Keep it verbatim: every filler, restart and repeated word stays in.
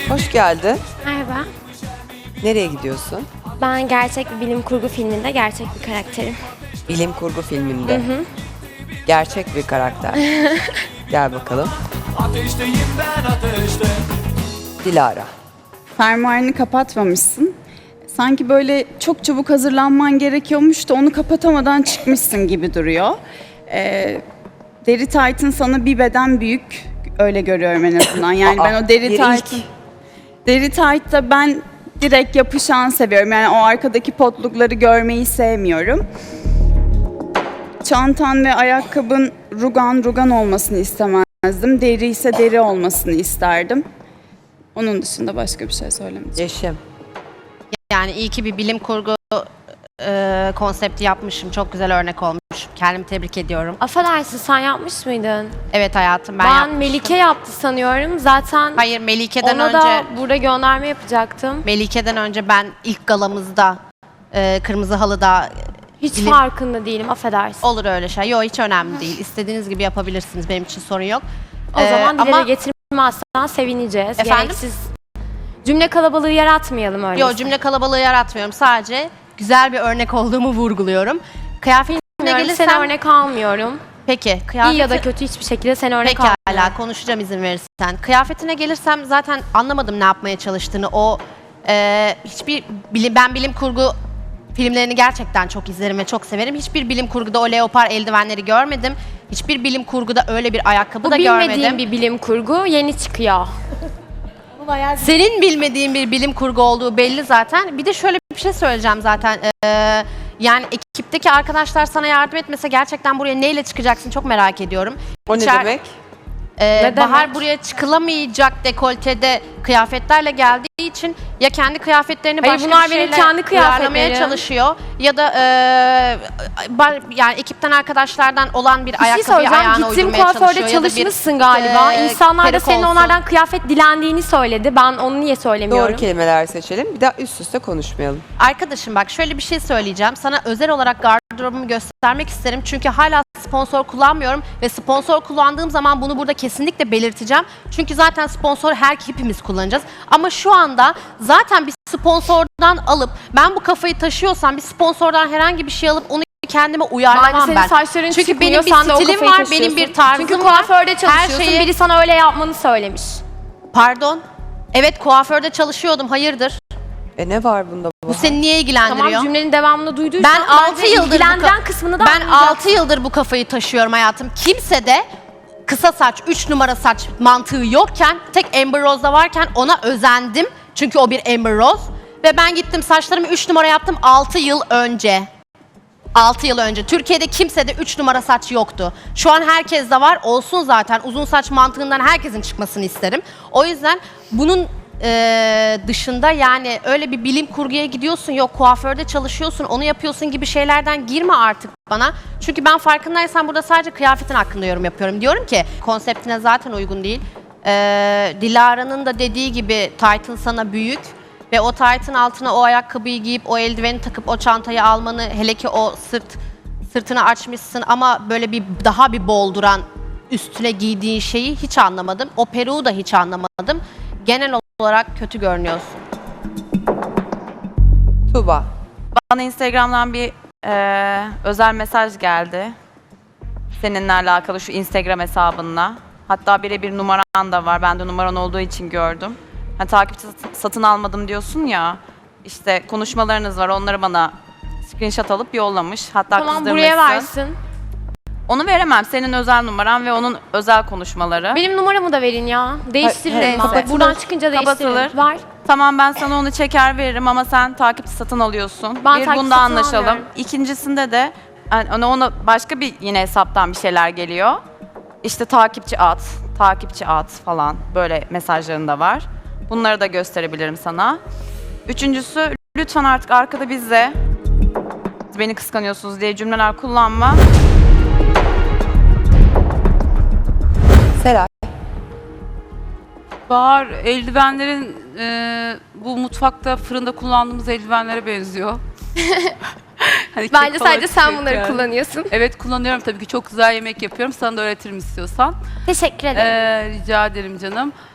Hoş geldin. Merhaba. Nereye gidiyorsun? Ben gerçek bir bilim kurgu filminde gerçek bir karakterim. Bilim kurgu filminde. Hı hı. Gerçek bir karakter. Gel bakalım. Ateşteyim ben ateşte. Dilara. Fermuarını kapatmamışsın. Sanki böyle çok çabuk hazırlanman gerekiyormuş da onu kapatamadan çıkmışsın gibi duruyor. Ee, deri taytın sana bir beden büyük. Öyle görüyorum en azından. Yani Aa, ben o deri bir taytın... ilk. Deri taytta ben direkt yapışan seviyorum. Yani o arkadaki potlukları görmeyi sevmiyorum. Çantan ve ayakkabın rugan rugan olmasını istemezdim. Deri ise deri olmasını isterdim. Onun dışında başka bir şey söylemeyeceğim. Yeşim. Yani iyi ki bir bilim kurgu e, konsepti yapmışım. Çok güzel örnek olmuş. Kendimi tebrik ediyorum. Affedersin, sen yapmış mıydın? Evet hayatım ben, Ben, yapmıştım. Melike yaptı sanıyorum. Zaten Hayır Melike'den ona önce da burada gönderme yapacaktım. Melike'den önce ben ilk galamızda e, kırmızı halıda Hiç bilim- farkında değilim, affedersin. olur öyle şey. Yok hiç önemli değil. İstediğiniz gibi yapabilirsiniz. Benim için sorun yok. O Ee, zaman dile ama getirmezsen sevineceğiz. Efendim? Gereksiz cümle kalabalığı yaratmayalım öyle. yok cümle kalabalığı yaratmıyorum. Sadece güzel bir örnek olduğumu vurguluyorum. Kıyafetine gelirsem Seni örnek almıyorum. peki kıyafeti... İyi ya da kötü hiçbir şekilde seni örnek Pekala almıyorum. konuşacağım izin verirsen. Kıyafetine gelirsem zaten anlamadım ne yapmaya çalıştığını. O e, hiçbir bilim, ben bilim kurgu filmlerini gerçekten çok izlerim ve çok severim. Hiçbir bilim kurguda o leopar eldivenleri görmedim. Hiçbir bilim kurguda öyle bir ayakkabı Bu da bilmediğim görmedim. bir bilim kurgu yeni çıkıyor. Senin bilmediğin bir bilim kurgu olduğu belli zaten. Bir de şöyle bir şey söyleyeceğim zaten. Ee, yani ekipteki arkadaşlar sana yardım etmese gerçekten buraya neyle çıkacaksın çok merak ediyorum. O İçer- ne demek? Ee, Ne Bahar demek? buraya çıkılamayacak dekoltede kıyafetlerle geldiği için ya kendi kıyafetlerini Hayır, başka bunlar bir benim şeyle kendi uyarlamaya kıyafetlerim. çalışıyor ya da e, ba- yani ekipten arkadaşlardan olan bir, Bir şey ayakkabıyı söyleyeceğim. ayağına Gittim uydurmaya çalışıyor kuaförde ya da bir çalışmışsın galiba. e, İnsanlar da peruk senin olsun. onlardan kıyafet dilendiğini söyledi. Ben onu niye söylemiyorum? Doğru kelimeler seçelim. Bir daha üst üste konuşmayalım. Arkadaşım bak şöyle bir şey söyleyeceğim. Sana özel olarak gardırobumu göstermek isterim. Çünkü hala sponsor kullanmıyorum ve sponsor kullandığım zaman bunu burada kesinlikle belirteceğim. Çünkü zaten sponsor her hepimiz kullanacağız. Ama şu anda zaten bir sponsordan alıp ben bu kafayı taşıyorsam bir sponsordan herhangi bir şey alıp onu kendime uyarlamam Bence senin ben. saçların Çünkü çıkmıyor, benim bir sen de o stilim kafayı var, taşıyorsun. benim bir tarzım Çünkü var. kuaförde çalışıyorsun, Her şeyi... biri sana öyle yapmanı söylemiş. Pardon. Evet kuaförde çalışıyordum. Hayırdır? E ne var bunda? Bu seni niye ilgilendiriyor? Tamam, cümlenin devamını duyduysan Ben altı bence yıldır bu ilgilendiren ka- kısmını da Ben anlayacaksın. altı yıldır bu kafayı taşıyorum hayatım. Kimse de kısa saç, üç numara saç mantığı yokken, tek Amber Rose'da varken ona özendim. Çünkü o bir Amber Rose. Ve ben gittim saçlarımı üç numara yaptım altı yıl önce. altı yıl önce. Türkiye'de kimsede üç numara saç yoktu. Şu an herkes de var. Olsun zaten. Uzun saç mantığından herkesin çıkmasını isterim. O yüzden bunun e, dışında yani öyle bir bilim kurguya gidiyorsun, yok kuaförde çalışıyorsun, onu yapıyorsun gibi şeylerden girme artık bana. Çünkü ben farkındaysan burada sadece kıyafetin hakkında yorum yapıyorum. Diyorum ki konseptine zaten uygun değil. E, Dilara'nın da dediği gibi Titan sana büyük. Ve o taytın altına o ayakkabıyı giyip, o eldiveni takıp o çantayı almanı, hele ki o sırt sırtını açmışsın ama böyle bir daha bir bolduran üstüne giydiğin şeyi hiç anlamadım. O peruğu da hiç anlamadım. Genel olarak kötü görünüyorsun. Tuğba. Bana Instagram'dan bir e, özel mesaj geldi. Seninle alakalı şu Instagram hesabınla. Hatta birebir numaran da var. Ben de numaran olduğu için gördüm. Hani takipçi sat- satın almadım diyorsun ya. İşte konuşmalarınız var. Onları bana screenshot alıp yollamış. Hatta Tamam, kızdırmışsın. buraya versin. Onu veremem. Senin özel numaran ve onun özel konuşmaları. Benim numaramı da verin ya. Değiştiririm. Hayır, ben. kapatılır. Buradan çıkınca değiştiririm. Kapatılır. Var. Tamam ben sana onu çeker veririm ama sen takipçi satın alıyorsun. Ben bir takipçi bunda satın anlaşalım. almıyorum. İkincisinde de yani ona, ona başka bir yine hesaptan bir şeyler geliyor. İşte takipçi at, takipçi at falan böyle mesajların da var. Bunları da gösterebilirim sana. Üçüncüsü lütfen artık arkada bizle beni kıskanıyorsunuz diye cümleler kullanma. Seray. Bahar, eldivenlerin e, bu mutfakta fırında kullandığımız eldivenlere benziyor. Hani kek Bence falan sadece sen kek bunları yani. kullanıyorsun. Evet kullanıyorum tabii ki, çok güzel yemek yapıyorum. Sana da öğretirim istiyorsan. Teşekkür ederim. Ee, rica ederim canım.